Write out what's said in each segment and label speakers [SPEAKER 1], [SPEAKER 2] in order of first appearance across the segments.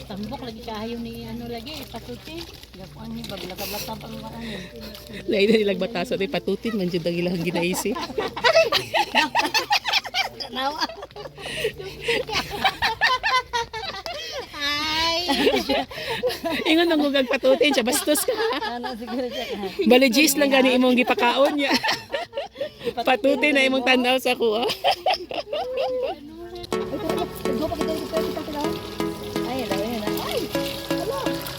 [SPEAKER 1] Tambok lagi kayo ni ano lagi patuti. Gapuan ni baglakab-lakab ang ano.
[SPEAKER 2] Lain na nilang bataso ni patutin man jud ang ilang ginaisip.
[SPEAKER 1] Nawa. Ay.
[SPEAKER 2] Ingon nang gugag patutin siya bastos ka.
[SPEAKER 1] Ano siguro siya.
[SPEAKER 2] Baligis lang gani imong gipakaon niya. Patutin na imong tanaw sa kuha.
[SPEAKER 1] Ay, dawin na. Ay. Hello.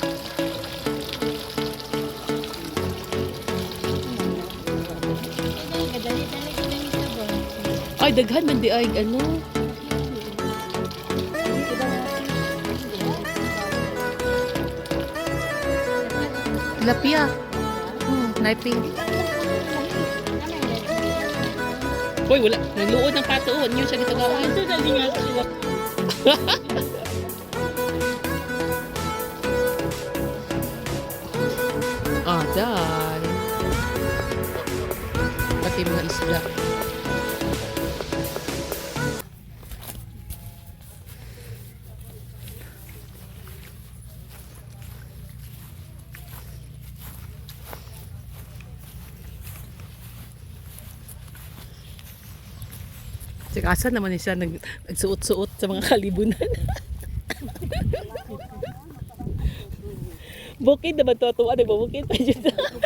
[SPEAKER 1] Kadali-dali ko lang sabon.
[SPEAKER 2] Ay daghan man di ay ano. Lapia. Knifing. Hoy, wala. Nagluod ng patuon. Yun siya gitagawan.
[SPEAKER 1] Ito dali nga sila.
[SPEAKER 2] Ah, dahil. Pati mga isda. Tsaka asan naman siya nagsuot-suot sa mga kalibunan. Bukid naman to. Ano ba? Bukid pa dyan.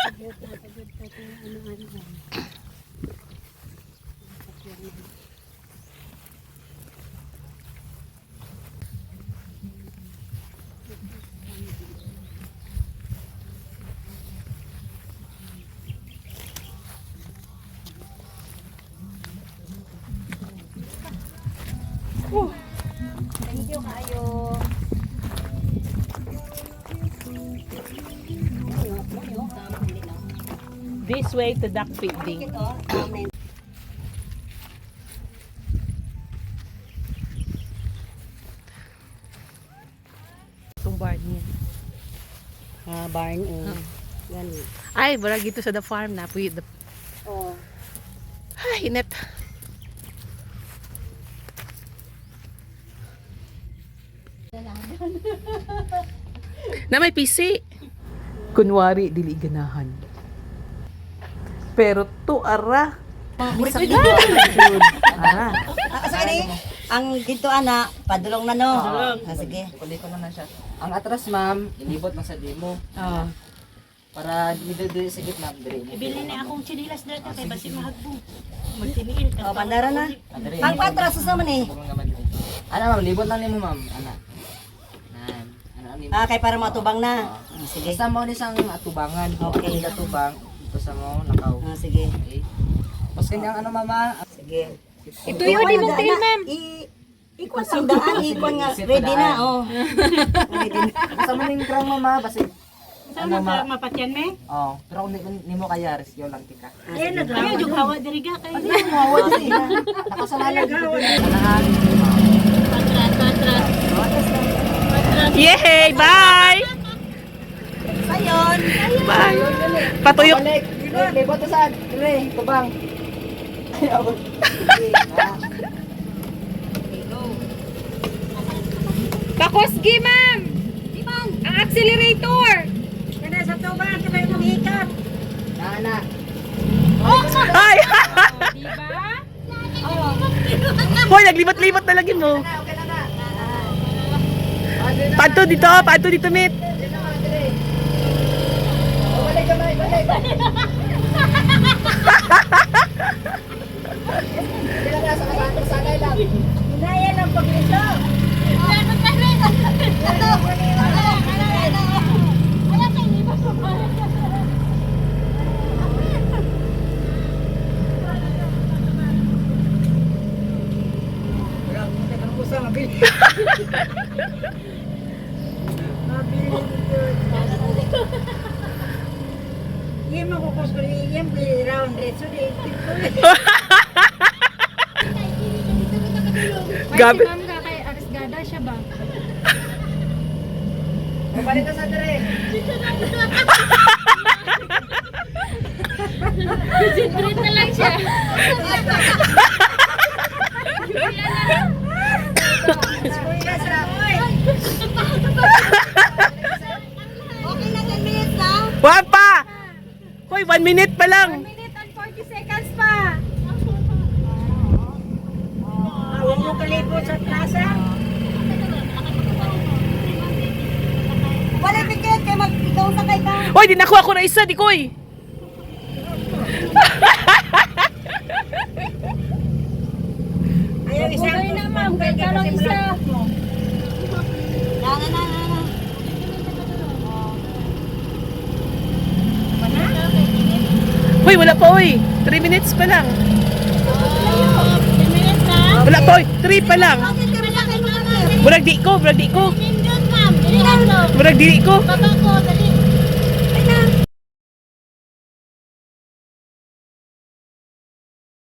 [SPEAKER 1] Thank you kayo.
[SPEAKER 2] This way to duck feeding. Itong barn niya.
[SPEAKER 1] Barn Yan.
[SPEAKER 2] Ay, bara gito sa the farm na.
[SPEAKER 1] Oh.
[SPEAKER 2] Ay, init. Na may PC. Kunwari, dili ganahan. Pero to ara. Ara.
[SPEAKER 3] Sorry, ang dito ana, padulong na no. Sige.
[SPEAKER 4] Kulit ko na siya. Ang atras ma'am, inibot na sa demo.
[SPEAKER 2] Ah.
[SPEAKER 4] Para dito sa gitna, dire.
[SPEAKER 1] Ibili na akong chinilas dito kay basi mahagbong. Magtiniil ka.
[SPEAKER 3] O, bandara na.
[SPEAKER 4] Dire.
[SPEAKER 3] Ang patras sa man eh.
[SPEAKER 4] Ano ma'am, libot lang nimo ma'am. Ana. Nan. Ano nimo?
[SPEAKER 3] Ah, kay para matubang na. Sige.
[SPEAKER 4] Basta mo ni sang atubangan.
[SPEAKER 3] Okay.
[SPEAKER 4] Atubang. Ito sa mo nakaw.
[SPEAKER 3] Sige.
[SPEAKER 4] Okay. Tapos kanyang ano mama,
[SPEAKER 3] Sige.
[SPEAKER 1] Ito yung di mong tail, ma'am.
[SPEAKER 3] Ikon ang daan, ikon nga. Ready na, oh. Ready na.
[SPEAKER 4] basta mo ning krang mama, basta
[SPEAKER 1] Saan na mapatyan me?
[SPEAKER 4] oh, pero kung nimo kaya rescue lang tika.
[SPEAKER 1] Ayun na daw. Ayun yung hawa diri ga kay.
[SPEAKER 4] Nakasanayan dito. Anahan.
[SPEAKER 1] Patras.
[SPEAKER 2] Yay! Bye!
[SPEAKER 3] Sayon.
[SPEAKER 2] Bye! Patuyok.
[SPEAKER 4] Balik. Libot na saan? Dire, tubang.
[SPEAKER 5] Pakosgi, ma'am! Ang accelerator!
[SPEAKER 3] Kada sa tubang, kada yung maghikap.
[SPEAKER 4] Nana.
[SPEAKER 2] Ay!
[SPEAKER 5] Diba?
[SPEAKER 2] Hoy, naglibot-libot na lagi mo. Pato dito, meet.
[SPEAKER 4] Balik ka, balik.
[SPEAKER 3] Inayan ang paglito. Iya mo ko ko iya round rate so di.
[SPEAKER 2] Gabi.
[SPEAKER 5] Si ma'am ka kay Arisgada siya ba?
[SPEAKER 4] Balik ka sa dire.
[SPEAKER 5] Concentrate na lang siya.
[SPEAKER 3] Kuya sa oy.
[SPEAKER 2] 1 minute pa lang.
[SPEAKER 5] 1 minute and 40 seconds pa.
[SPEAKER 3] Huwag mo kalipot sa plaza. Wala ticket kay ikaw sakay ka.
[SPEAKER 2] Hoy, di nakuha ko na isa, di koy.
[SPEAKER 3] Ayaw isa.
[SPEAKER 5] Okay na ma'am, kaya ka lang isa.
[SPEAKER 3] Na.
[SPEAKER 2] Hoy, wala pa, hoy. 3 minutes pa lang.
[SPEAKER 1] 10 minutes na.
[SPEAKER 2] Wala pa, hoy. 3 pa lang.
[SPEAKER 3] Bakit ka sakay mo?
[SPEAKER 2] Murag di ko, murag di ko.
[SPEAKER 1] Nindot, ma'am. Dili lang to.
[SPEAKER 2] Murag di ko.
[SPEAKER 1] Baba ko, dali.